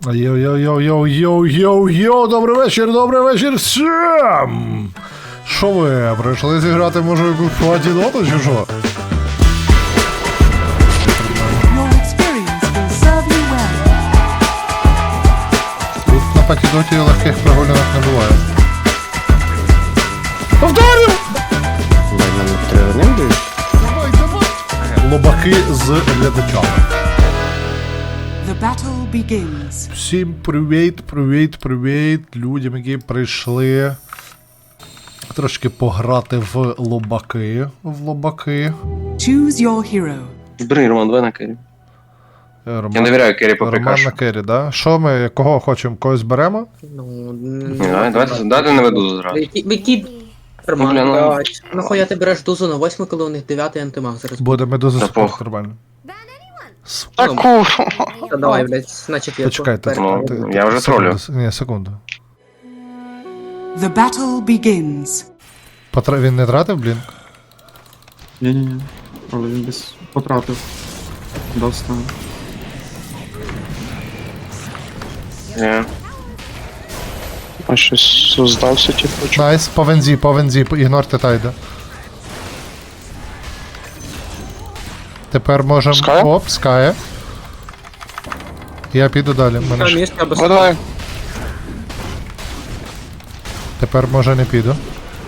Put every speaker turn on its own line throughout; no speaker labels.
Йоу-йоу-йоу-йоу-йоу-йоу, добрий вечір всім! Що ви, прийшли зіграти, може, якусь платіноту чи що? Тут на патідоті легких прогулянок не буває. Повторю! Лобаки з глядачами.
The battle begins.
Всім привіт людям, які прийшли трошки пограти в лобаки.
Choose your hero.
Бери, Роман, давай на керрі.
Роман,
Я довіряю керрі по
Роман
прикашу.
на керрі, да? Що ми, кого хочемо, когось беремо?
Давайте не веду зразу.
Які Роман, блядь, нахуя ти береш дозу на 8, коли у них 9 антимаг зараз?
Буде медуза
Та
спорт
пох.
нормально.
Та давай, блядь, значить я
Почекайте.
Ну,
ти-
я вже
секунду,
тролю.
Ні, секунду.
The battle begins.
Він не тратив, блін?
Ні-ні-ні, але він десь потратив. Достав.
Ні.
А щось здався, типу, чи...
Найс, по вензі, ігнорте тайда. Тепер можемо...
Ская?
Оп, скає. Я піду далі. Мене ж...
мішка без...
Давай.
Тепер може не піду.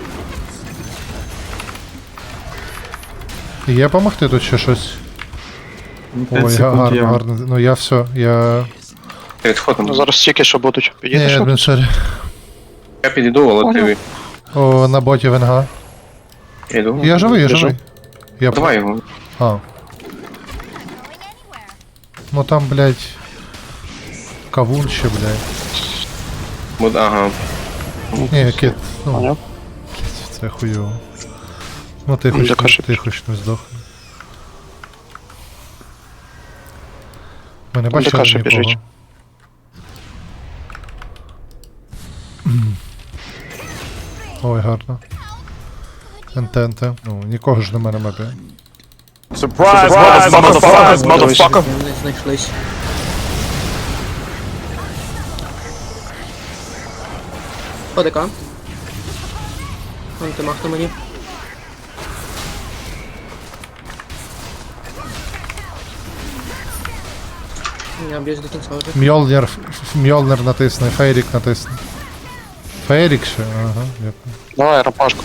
Є помогти тут ще щось?
5
Ой,
секунд
гарно,
є.
гарно. Ну я все, я...
Відходимо.
Ну, зараз стільки, що будуть.
Ні,
Підійдеш?
адміншері.
Я підійду, але ти
О, на боті венга.
піду.
Я живий.
Біжу.
Я...
Давай його.
А. Ну там, блядь... Кавун ще, блядь.
Ага.
Ні, кіт. Ну,
Поняв?
це хуйово. Ну ти
Ну,
хоч,
така ж-
ти хоч не здохни. Ми не
Там
бачили
така ж
нікого.
біжить.
Ой, гарно. Енте. Ну, нікого ж нема на мапі.
Вони знайшлись. ОДК. Антимаг на мені. Я б'юсь до кінця вже.
Мьолнер натисне, Фейрік натисне. Фейрік ще? Ага, дякую.
Давай, рапашку.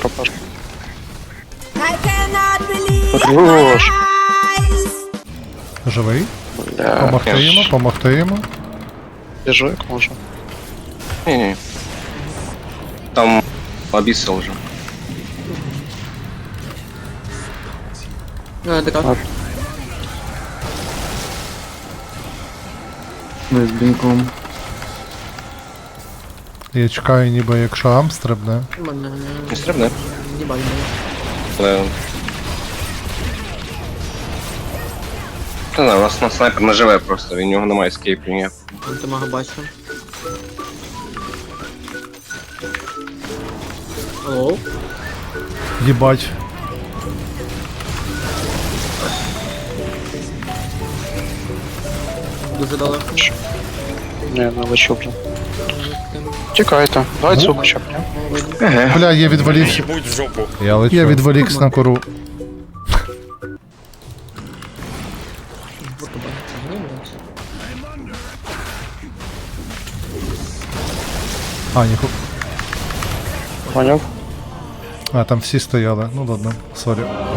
I cannot believe
Хорош.
Живий?
Бля,
Помогти йому.
біжу як можу.
Ні. Там обіссал вже.
ОДК.
Ми з бінком.
Я чекаю, ніби якщо Ам стрибне.
Мене
Не стрибне.
їбать мене.
Але... Та знаю, у нас на снайпер не живе просто, він у нього немає ескейпу ніяк.
Антимага бачу. Алло?
Їбать.
Дуже далеко.
Ні, не лечу вже. Тікайте. Давай цю хоча б, ні?
Бля, я відволікся. Я відволікся на кору. А, ніху.
Поняв?
А, там всі стояли. Ну ладно, сорі.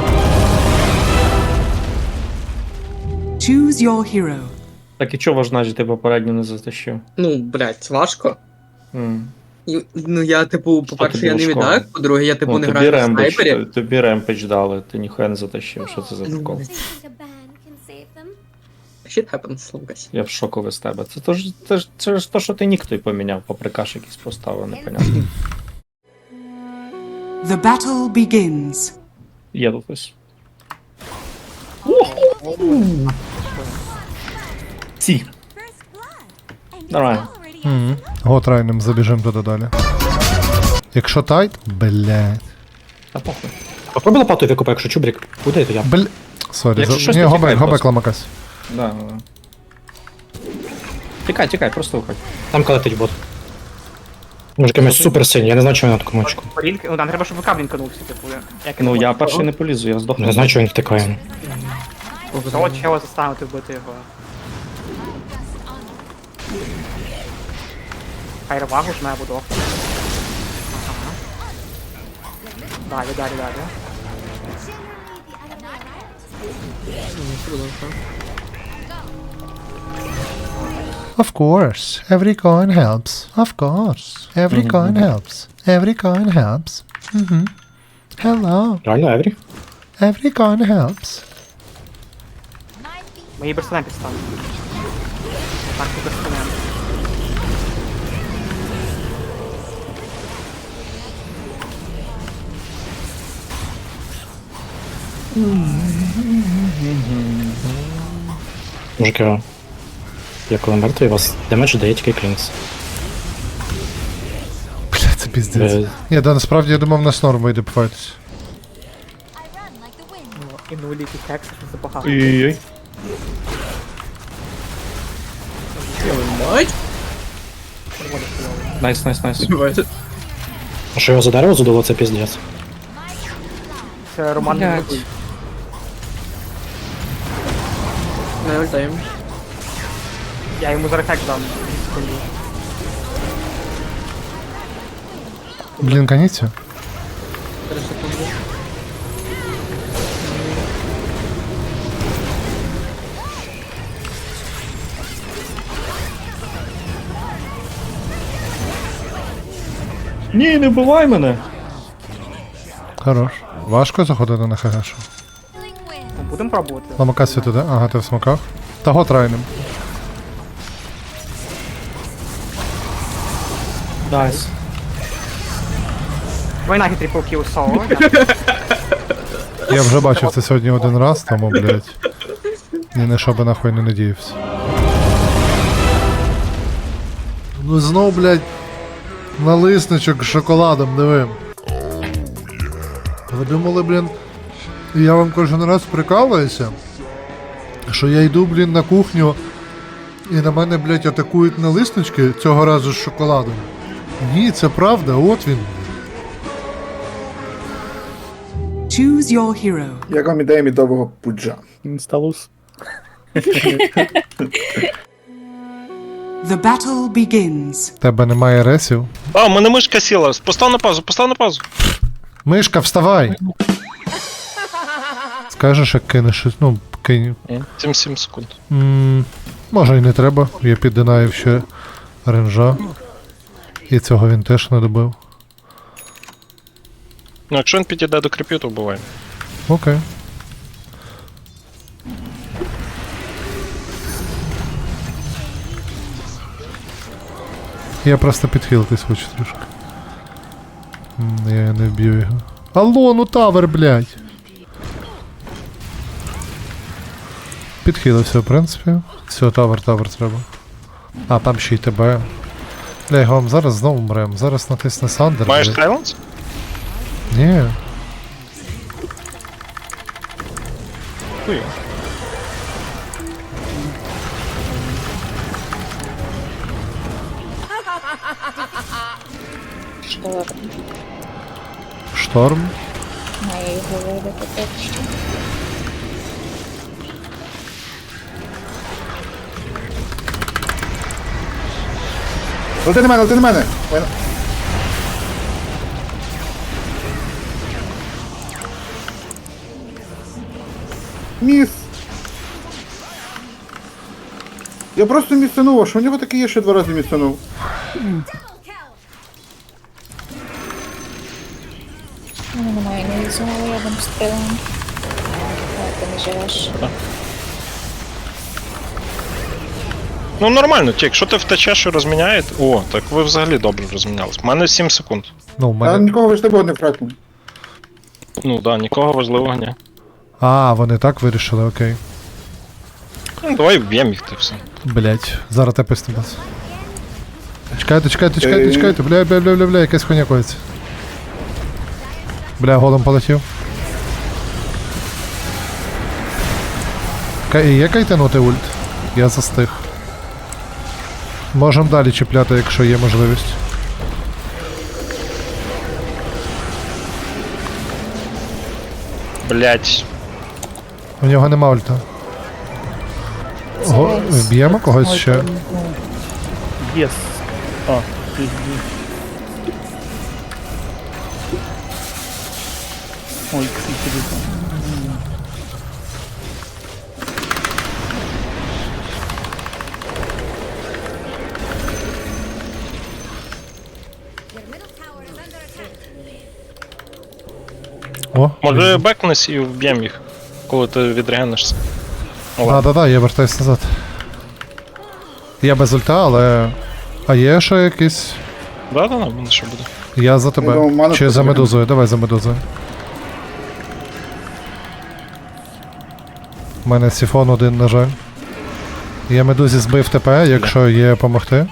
Choose your hero.
Так і чого ваш ти попередньо не затащив?
Ну, блядь, важко.
М.
Ну я, типу, по-перше,
тобі
я не
важко?
віддак, по-друге, я, типу,
Ну,
не
тобі
граю в
ремпедж,
снайпері.
тобі ремпедж дали, ти ніхуя не затащив. Що це за
Ну,
прикол?
think a ban can save them.
Shit happens, Лукас.
Я в шоку з тебе. Це ж то, що ти нік той поміняв, паприкаш якийсь поставив, непонятно.
The battle begins.
Є тут ось. Ці.
First blood. And
Нормально.
already
Угу. Готрайним забіжимо туди далі. Якщо тайт, блядь.
Та похуй.
Попробуй лопату викопай, якщо чубрик. Куди то я?
Сорі,
Якщо щось,
ні,
то
гобек
тікай просто.
ламакась.
Да. Тікай, просто виходь.
Там калетить бот. Може якимось супер сильний, я не знаю, чого він на такому очку.
Ну, нам треба, щоб ВК блінканувся, типу, як
Ну я перший не полізу, я здохну.
Не знаю, чого він втикає.
Того чого заставити вбити його. Хай ревагу жме буду. Ага. Далі.
Of course, every coin helps. Of course, every coin helps. Every coin helps. Hello,
Реально, Еврі?
every coin helps.
Ми її берстенем підставимо. Так, ти берстенем.
Мужики, я коли мертвий, у вас демедж дає тільки клінкс.
Бля, це піздець.
Ви-
Ні, да, насправді я думав, нас норм вийде пофайтись.
I run like the wind.
І нулі ті тексти, що забагато.
Ой-ой-ой.
Мать?
Найс.
А що його за дерево задуло, це піздець.
Це Роман не
Блядь.
любить.
Не ультаємо.
Я йому зараз хек дам. 2 секунди.
Блін, каніться.
3 секунди.
Ні, не вбивай мене.
Хорош. Важко заходити на ХГшу.
Feeling wind.
Ну, будемо пробувати.
Ламака світу, да? Ага, ти в смоках. Того трайнем.
Найс.
Войнагі трипл кіл соло.
Я вже бачив це сьогодні один раз, тому, блядь. Ні на що би нахуй не надіявся. Ну знов, блядь, налисничок з шоколадом, диви. Ви думали, блін, я вам кожен раз прикалуюся, що я йду, блін, на кухню і на мене, блядь, атакують налиснички цього разу з шоколадом. Ні, це правда, от він.
Choose your hero.
Як вам ідея мідового пуджа?
Інсталус.
The battle begins.
Тебе немає ресів.
А, у мене мишка сіла. Постав на паузу.
Мишка, вставай! Скажеш, як кинеш, ну, кинь.
7 секунд.
Може і не треба, я піддинаю ще ренжа. І цього він теж не добив.
Ну, якщо він підійде до кріпів, то вбиває.
Окей. Я просто підхилитись хочу трішки. Я не вб'ю його. Алло, ну тавер, блядь! Підхилився, в принципі. Все, тавер треба. А, там ще й тебе. Бля, його вам зараз знову мрем. Зараз натисне Сандер.
Маєш
блядь.
сайленс?
Ні.
Хуй.
Шторм.
Лети на мене! Міс! Я просто місцянув, а що у нього таке є, що 2 рази місцянув?
Немає, не візьмала, я вам стрілом. Ти не живеш.
Ну нормально, тік, якщо ти втечеш і розміняєте. О, так ви взагалі добре розмінялись. У мене 7 секунд.
Ну, в
А
мене...
нікого ви ж не втратили.
Ну да, нікого важливого ні.
А, вони так вирішили, окей.
Ну, давай вб'ємо їх ти все.
Блять, зараз тепер стебас. Чекайте, бля, якась хуйня коїться. Бля, голом полетів. Є кайтанути ульт? Я застиг. Можемо далі чіпляти, якщо є можливість.
Блять.
У нього нема ульта. Вб'ємо когось ще.
Єс. А, ой,
О,
Може бекнись і вб'єм їх, коли ти відрегенишся.
да, я вертаюсь назад. Я без ульта, але. А є ще якийсь.
Да, мене що буде.
Я за
Ну,
тебе.
в мене
Чи за
потрібно.
медузою? Давай за медузою. У мене сіфон один, на жаль. Я медузі збив ТП, якщо є помогти.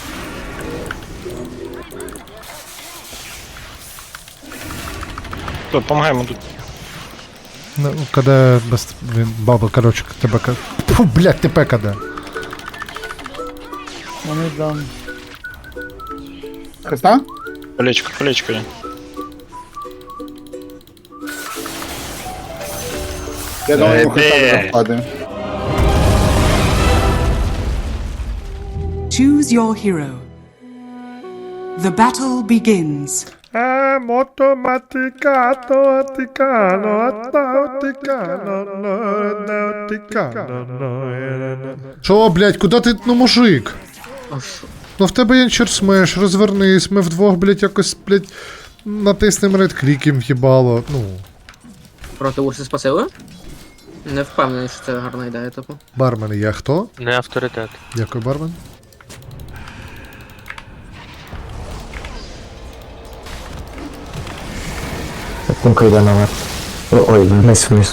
Тут, помагаємо тут.
Ну, КД без. Він бабл, коротше, тебе КД. Фу, блядь, ТП КД.
вони там.
Хреста?
Колечко є.
Я думаю, йому
Де?
хреста не впаде.
Choose your hero. The battle begins.
Шо, блядь, куди ти, ну мужик?
А що?
Ну в тебе є смеш, розвернись, ми вдвох, блядь, якось, блядь, натиснем редкліком їбало, ну.
Проти Урси спасили? Не впевнений, що це гарна ідея, типу.
Бармен, я хто?
Не авторитет.
Дякую, бармен.
Кумка йде наверх. Ой, вниз.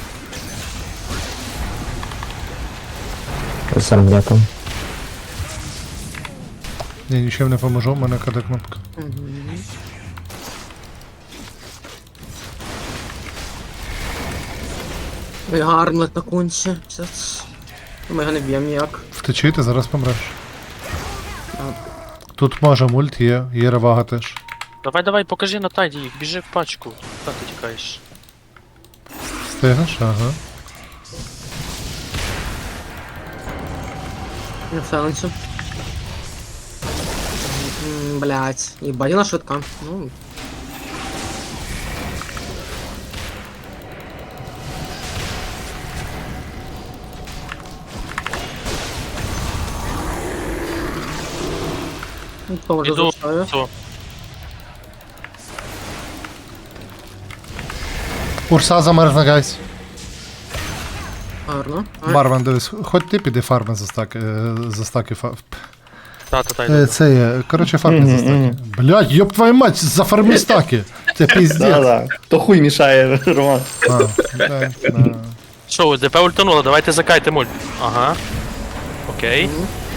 Земля там.
Ні, нічим не поможу, в мене КД кнопка.
Ой, гармлет на конче. Ми його не б'ємо ніяк.
Втечи, ти зараз помреш. Тут може мульт є ревага теж.
Давай, покажи на тайді їх, біжи в пачку. Та ти тікаєш.
Встигнеш? Ага.
Не вселенцю. Блять, їбать, вона швидка. Ну. Поможу
Іду.
зашаю.
Все.
Урса замерзла, гайс.
Гарно.
Бармен, дивись, хоч ти піди фарми за стаки
Та йду.
Це є, коротше, фарми за стаки. Блядь, ёб твою мать, за фарми стаки. Це піздець.
То хуй мішає, Роман.
Да.
Що, ДП ультануло, давайте закайте мульт. Ага. Окей.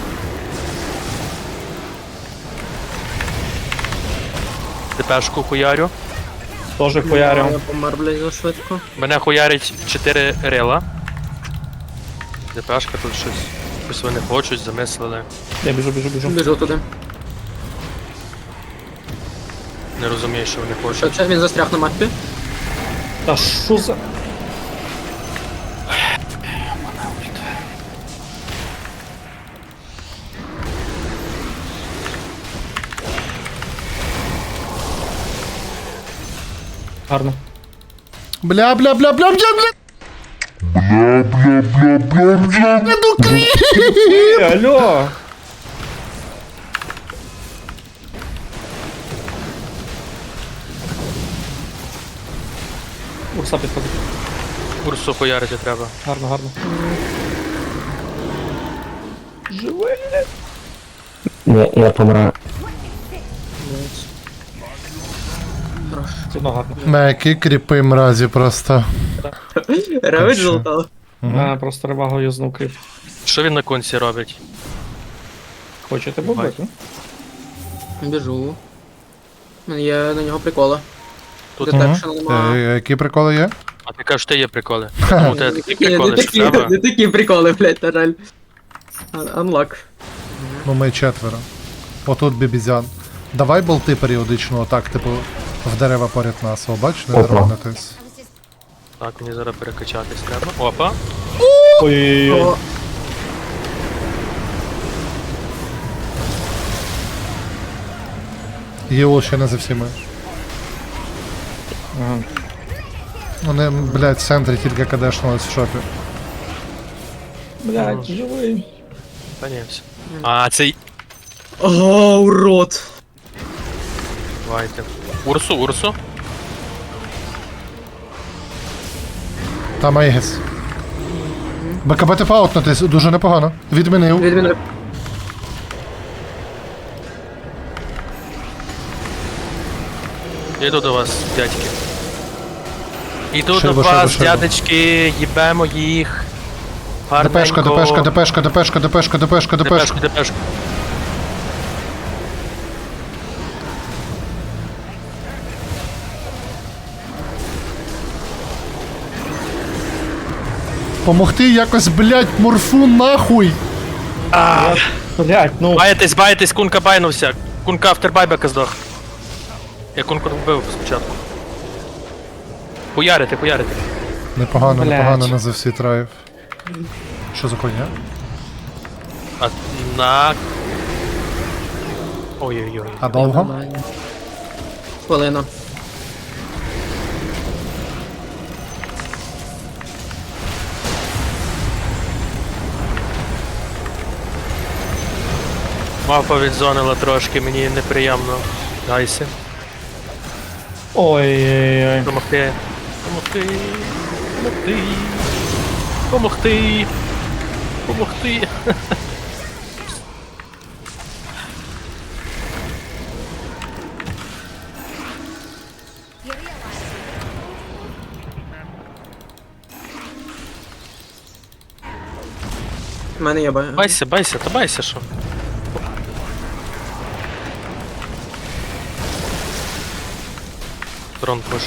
ДПшку хуярю.
Тоже хуярю.
Я помер, блядь, за швидко.
Мене хуярить 4 рила. ДПшка тут щось вони хочуть, замислили.
Я біжу.
Біжу туди.
Не розумію, що вони хочуть.
Що, він застряг на мапі?
Та що за... Гарно.
Бля.
Алло! Урса підходить.
Урсу хуярити треба.
Гарно.
Я помираю.
Блядь. Хорош.
Це одно гарно.
Мекі кріпи мразі просто.
Ревич
що?
золотав.
Просто ревагу юзнув кріп.
Що він на конці робить?
Хочете бобити?
Біжу. У мене є на нього приколи.
Тут
Детекшена немає.
Які приколи є?
А ти кажеш, ти є приколи. У тебе такі приколи,
Не
що треба.
такі приколи, блядь, на жаль. Unlock.
Ну ми 4. Отут бібізян. Давай болти періодично, отак, типу, в дерева поряд нас. О, бач, не дронитись.
Так, мені зараз перекачатись треба. Опа.
Ой-ой-ой.
О,
Єол ще не за всіми.
Ага.
Вони, блядь, в центрі тільки кадешнулись в шопі.
Блядь, живий.
Та ні, все. А, цей.
Ага, урод.
Давайте. Урсу.
Там Айгес. БКБ ти паутнутись, дуже непогано. Відмінив.
Відмінив.
Іду до вас, дядьки. Іду
Шиба,
до
шиба,
вас,
шиба.
дядечки, їбемо їх.
ДПшка, ДПшка, ДПшка, ДПшка, ДПшка, ДПшка, ДПшка.
Депешку.
Помогти якось, блядь, морфу нахуй.
Блядь, ну.
Баєтесь, кунка байнувся. Кунка автербайбека здох. Я кунку вбив спочатку. Хуярити.
Непогано,
Блядь.
непогано на за всі траїв. Що за хуйня?
А на. Ой-ой-ой.
А довго?
Нормально. Хвилина.
Мапа відзонила трошки, мені неприємно. Дайся.
Ой-ой-ой.
Помогти. Помогти.
У мене є
Байся, що? Трон пушить.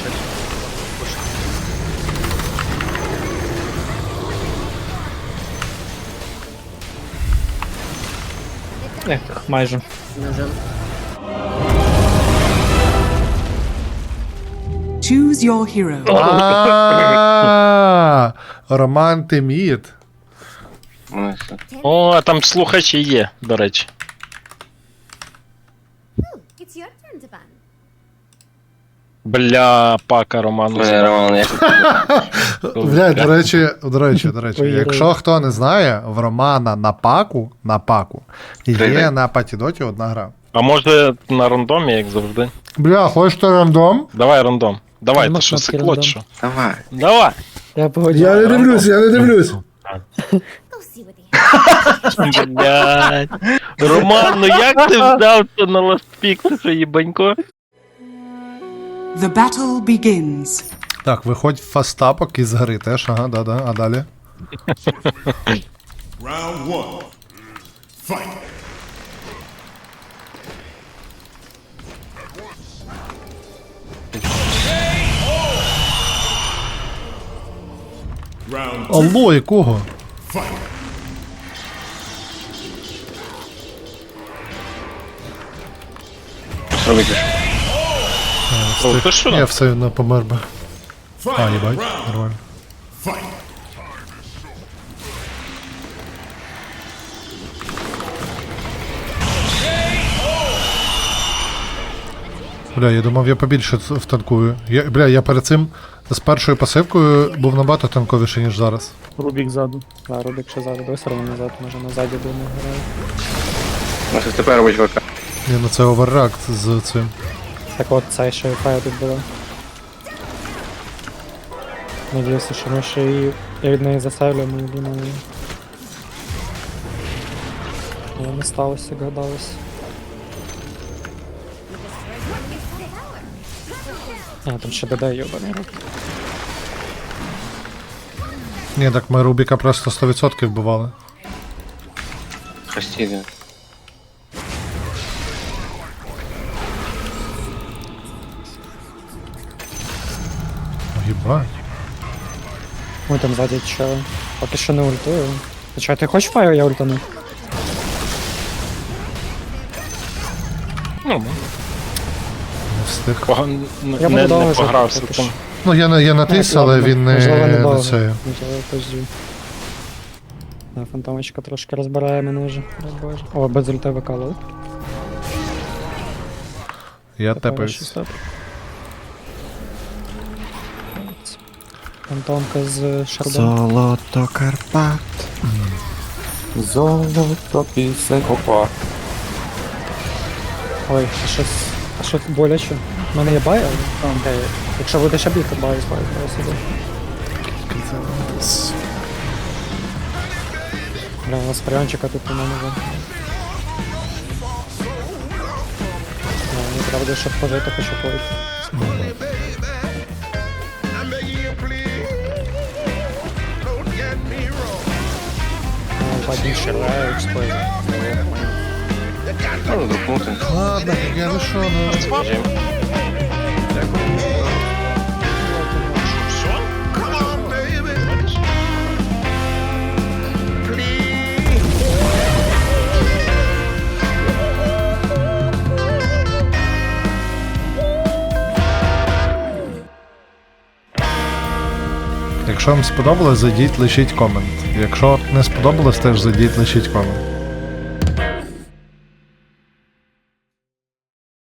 Майже.
Нажим.
Choose your hero.
А, Роман Тиміт.
Ну, і все.
О, там слухачі є, до речі.
It's your turn to ban.
Бля, пака Роману.
Мене Роман, як
Блядь, до речі, якщо хто не знає, в Романа на паку є
Привіт.
на патідоті одна гра.
А може на рандомі, як завжди?
Бля, хочеш то рандом?
Давай рандом. Давай,
Нема
ти що,
кнопки
сикло,
рандом.
чи що?
Давай.
Давай!
Я погоджу.
я не дивлюсь.
Go see what they
Блядь. Роман, ну як ти вдався на ластпік, ти що, їбанько?
The battle begins.
Так, виходь в фастапок із гри теж, ага, да, а далі?
Round one. Fight. Round two.
Алло, якого?
Fight.
Що робити?
О, ти що?
Я все одно помер би. А,
Fight.
їбать,
Round.
нормально.
Fight.
Бля, я думав, я побільше втанкую. Я перед цим з першою пасивкою був набагато танковіший, ніж зараз.
Рубік ззаду. Да, Рубік ще ззаду. Давай все одно назад, може назаді буде грає.
Ну, що тепер робить ВК?
Ні, ну це оверреакт з цим.
Так от, цей ще файт тут була. Надіюся, що ми ще її... Я від неї засейвлю, ми думаю. Але не сталося, як гадалось. А, там ще ДД йобаний рук.
Ні, так ми Рубіка просто 100% вбивали.
Хостіди.
Єбать.
Ой, там ззаді чого. Поки що не ультую. Ти чого, ти хочеш фаю, я ультану?
Ну,
Не встиг.
Я
не
буду довго
погрався
жити,
там.
Ну, я натис, але він
Можливо,
не
недовго.
це.
Можливо, позже. Фантомочка трошки розбирає мене вже. Ой, Боже. О, без ульти викалили.
Я тепаюсь.
Фантомка з шардом.
Золото Карпат. Золото пісень. Опа.
Ой, а що боляче? У мене є бай, але... Окей. Якщо буде ще бігти, бай собі. Бля, у нас прянчика тут немає. Мені треба буде, щоб пожити, хочу пойти. Один ширає, експлойд.
Можна друкнути.
Ладно, я вийшов на... Якщо вам сподобалось, зайдіть, лишіть комент. Якщо не сподобалось, теж зайдіть, лишіть комент.